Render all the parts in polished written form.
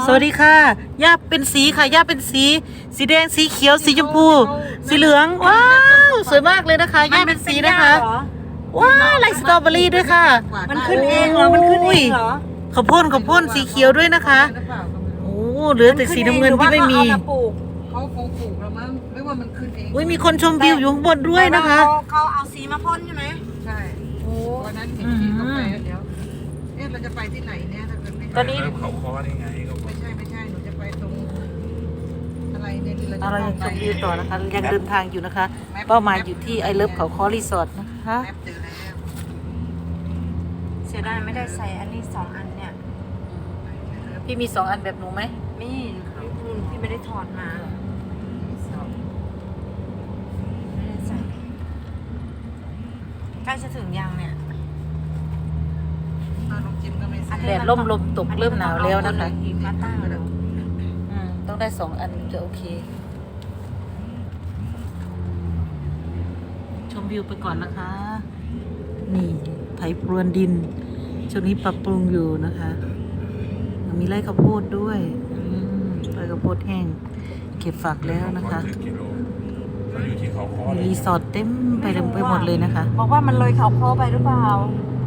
สวัสดีค่ะย่าเป็นสีค่ะย่าเป็นสีแดงสีเขียวสีชมพูสีเหลืองว้าวสวยมากเลยนะคะย่าเป็นสีนะคะว้าวลายสตรอเบอรี่ด้วยค่ะมันขึ้นเองเหรอมันขึ้นเองเหรอข้าวโพดสีเขียวด้วยนะคะโอ้เหลือแต่สีน้ำเงินที่ไม่มีเขาคงปลูกแล้วมั้งไม่ว่ามันขึ้นเองอุ้ยมีคนชมวิวอยู่ข้างบนด้วยนะคะเขาเอาสีมาพ่นใช่ไหมใช่วันนั้นเห็นที่เขาไปเดี๋ยวเราจะไปที่ไหนเนี่ยถ้าเกิดไม่ตอนนี้เขาคอได้ไงก็ไม่ใช่หนูจะไปตรงอะไรเนี่ยที่เราจะเรายังชไปมวิวต่อนะคะยังเดินทางอยู่นะคะเป้าหมายอยู่ที่ไอเลิฟเขาคอรีสอร์ทนะคะแอปเจอแล้วเสียดายไม่ได้ใส่อันนี้2 อันเนี่ยพี่มี2 อันแบบหนูไหมนี่พี่ไม่ได้ถอดมาไม่ได้ใส่ใกล้จะถึงยังเนี่ยน้องจิมก็ไม่ใส่แดดร่มลมตกเริ่มหนาวแล้วนะคะมาตั้งดูต้องได้2 อันถึงจะโอเค ชมวิวไปก่อนนะคะ นี่ไถพรวนดินช่วงนี้ปรับปรุงอยู่นะคะมีไร่ข้าวโพดด้วยไร่ข้าวโพดแห้งเก็บฝักแล้วนะคะกิโลเราอยู่ที่เขาคอมีรีสอร์ทเต็มไปหมดเลยนะคะบอกว่ามันเลยเขาโค้ไปหรือเปล่า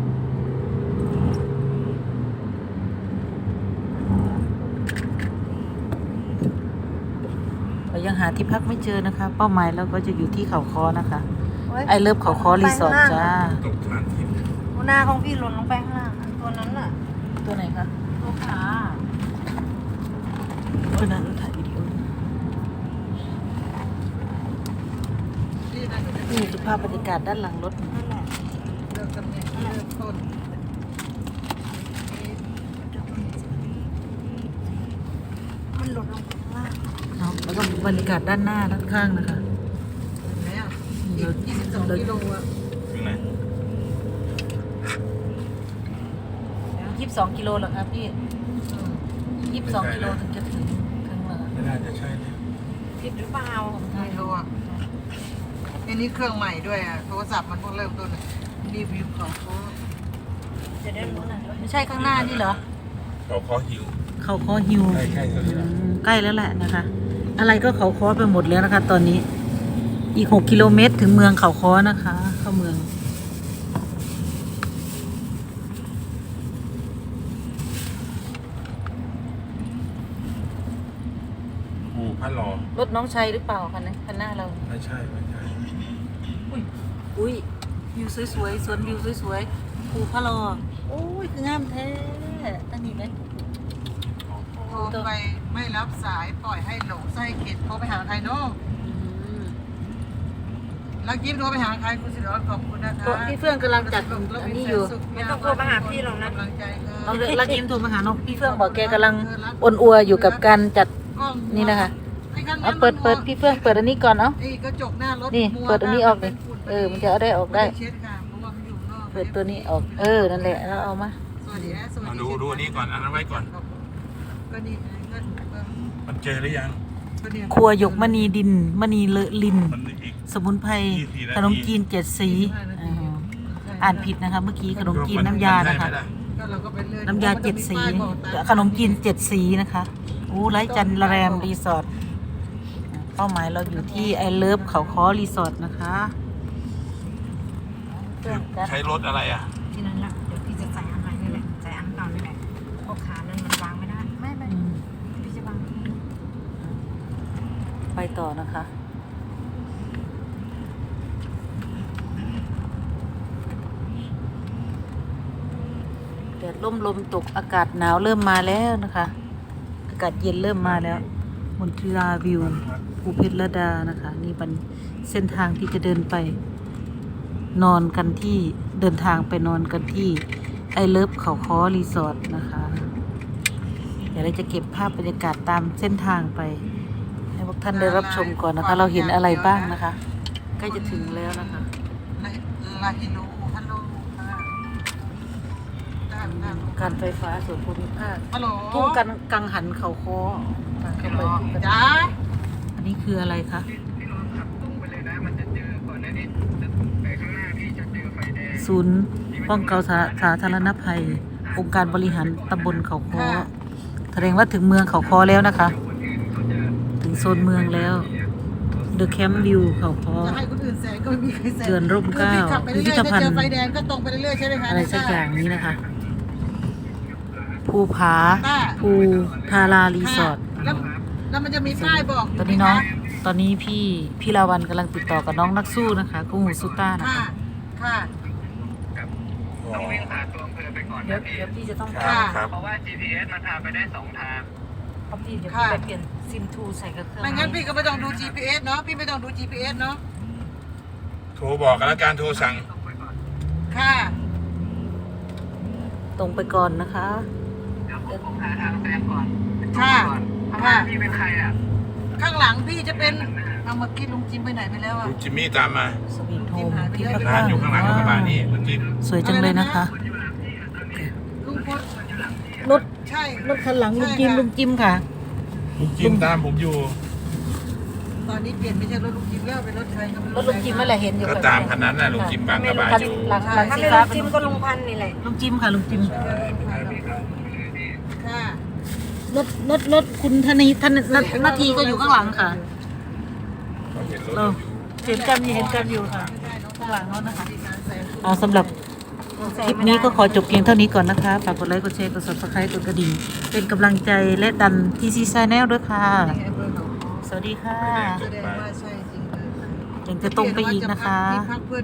เรายังหาที่พักไม่เจอนะคะ เป้าหมายเราก็จะอยู่ที่เขาคอนะคะไอเลิฟเขาคอรีสอร์ทจ้าตกทางทิพย์หัวหน้าของพี่หล่นลงไปข้างล่างตัวนั้นน่ะตัวไหนคะตัวขาตัวนั้นถ่ายวิดีโอที่นั่นหนูจะนี่คือภาพบรรยากาศด้านหลังรถนั่นแหละเลือกตำแหน่งเลือกต้นมันหล่นลงไปข้างล่างเนาะแล้วก็บรรยากาศด้านหน้าด้านข้างนะคะเห็นไหมอ่ะอีก22 กิโลอ่ะถึงไหน 22 กิโลเหรอครับพี่22 กิโลถึงจะถึงข้างหลังไม่น่าจะใช่นะผิดหรือเปล่าไม่รู้อ่ะอันนี้เครื่องใหม่ด้วยอ่ะโทรศัพท์มันเพิ่งเริ่มต้นรีวิวของเขาจะได้รู้หน่อยว่าไม่ใช่ข้างหน้านี่เหรอเขาคอหิวเขาคอฮิวใกล้ๆแถวนี้แล้วใกล้แล้วแหละนะคะ อะไรก็เขาคอไปหมดแล้วนะคะ ตอนนี้อีก6 กิโลเมตรถึงเมืองเขาคอนะคะ เข้าเมืองภูพระรอรถน้องชัยหรือเปล่าคันนี้คันหน้าเราไม่ใช่อุ้ยวิวสวยๆสวนวิวสวยๆภูพะโลอโอ้ยคืองามแท้ตั้งนี้ไหมโทรไปไม่รับสายปล่อยให้หลงไส้เข็ดโทรไปหาใครเนาะลักยิ้มโทรไปหาใครคุณสิริวัฒน์ขอบคุณนะคะพี่เฟื่องกำลังจัดอันนี้อยู่ไม่ต้องโทรมาหาพี่หรอกนะกำลังใจเราลักยิ้มโทรมาหาน้องพี่เฟื่องบอกแกกำลังอ่อนอัวอยู่กับการจัดนี่นะคะเอาเปิดพี่เฟื่องเปิดอันนี้ก่อนเอ้าไอ้กระจกหน้ารถนี่เปิดอันนี้ออกเลยมันจะเอาได้ออกได้เช็ดค่ะเพราะว่ามันอยู่นอกเปิดตัวนี้ออกนั่นแหละแล้วเอามาสวัสดีนะสวัสมาดีดูอันนี้ก่อนอันนั้นไว้ก่อนก็นี่ก็มันเจอหรือยังเนี่ยครัวหยกมณีดินมณีเลอะลินมันอีกสมุนไพรขนมจีน7 สีอ่านผิดนะคะเมื่อกี้ขนมจีนน้ำยานะคะก็เราก็ไปเลื่อนน้ำยา7 สีขนมจีน7 สีนะคะอู้ไร้จันแรมรีสอร์ทเป้าหมายเราอยู่ที่ไอเลิฟเขาคอรีสอร์ทนะคะใช้รถอะไรอ่ะที่นั้นแหละเดี๋ยวพี่จะใส่อันใหม่นี่แหละใส่อันเก่านี่แหละเพราะขานั้นมันวางไม่ได้ไม่พี่จะวางที่ไปต่อนะคะแดดร่มลมตกอากาศหนาวเริ่มมาแล้วนะคะ อากาศเย็นเริ่มมาแล้วมณฑลาวิวภูเพชรระดานะคะ นี่เป็นเส้นทางที่จะเดินไปนอนกันที่เดินทางไปนอนกันที่ไอเลิฟเขาคอรีสอร์ทนะคะเดี๋ยวเราจะเก็บภาพบรรยากาศตามเส้นทางไปให้พวกท่านได้รับชมก่อนนะคะ เราเห็นอะไรบ้างนะคะใกล้จะถึงแล้วนะคะลาฮิโนฮัลโหลการไฟฟ้าส่วนภูมิภาคฮัลโหลทุ่งกังหันเขาคอทางเข้าไปจ้าอันนี้คืออะไรคะศูนย์ป้องกันสาธารณภัยองค์การบริหารตำบลเขาคอถแสดงว่าถึงเมืองเขาคอแล้วนะคะ ถึงโซนเมืองแล้ว The Camp View เขาคอจะให้คนอื่นแซงก็ไม่มีใครแซงเรือนร่มเกล้าคือพี่ขับไปเรื่อยพิพิธๆภัณฑ์ถ้าเจอไฟแดงก็ตรงไปเรื่อยๆใช่ไหมคะอะไรสักอย่างนี้นะคะ ภูผาค่ะภูทารารีสอร์ทแล้วมันจะมีป้ายบอกตอนนี้น้อง ตอนนี้พี่ลาวันกำลังติดต่อกับน้องนักสู้นะคะกุ้งหูซูต้านะค่ะคะค่ะอ๋อเดี๋ยวพี่จะต้องครับครับเพราะว่า GPS มันพาไปได้2 ทางเพราะพี่เดี๋ยวพี่ไปเปลี่ยนซิมทูใส่กับเครื่องไม่งั้นพี่ก็ไม่ต้องดู GPS เนาะ พี่ไม่ต้องดู GPS เนาะโทรบอกกันแล้วการโทรสั่งค่ะตรงไปก่อนนะคะเดี๋ยวผมหาทางแซงก่อนค่ะ ค่ะพี่เป็นใครอ่ะข้างหลังพี่จะเป็น เอาเมื่อกี้ลุงจิมไปไหนไปแล้วอ่ะลุงจิมมี่ตามมาสวีทโฮมพิพิธร้าภันณฑ์อยู่ข้างหลังกระบะนี่ลุงจิมสวยจังเลยนะคะลุงพลรถใช่รถคันหลังลุงจิมลุงจิมค่ะลุงจิมตามผมอยู่ตอนนี้เปลี่ยนไม่ใช่รถลุงจิมแล้วเป็นรถใครก็ไม่รถลุงจิมนั่นแหละเห็นอยู่ก็ตามคันนั้นน่ะลุงจิมบางกระบะอยู่หลังถ้าสีไม่ฟ้าลุงจิมก็ลุงพันธุ์นี่แหละลุงจิมค่ะลุงจิมค่ะรถคุณธนีท่านนาทีก็อยู่ข้างหลังค่ะเขาเห็นรถเราอยู่เห็นกันอยู่ค่ะข้างหลังเขานะคะมีการแซงเอาสำหรับคลิปนี้ก็ขอจบเพียงเท่านี้ก่อนนะคะฝากกดไลค์กดแชร์กด subscribe กดกระดิ่งเป็นกำลังใจและดันทีซีชาแนลด้วยค่ะแอปเปิลของสวัสดีค่ะแสดงว่าใช่จริงเลยยังจะตรงไปอีกนะคะที่พักเพื่อน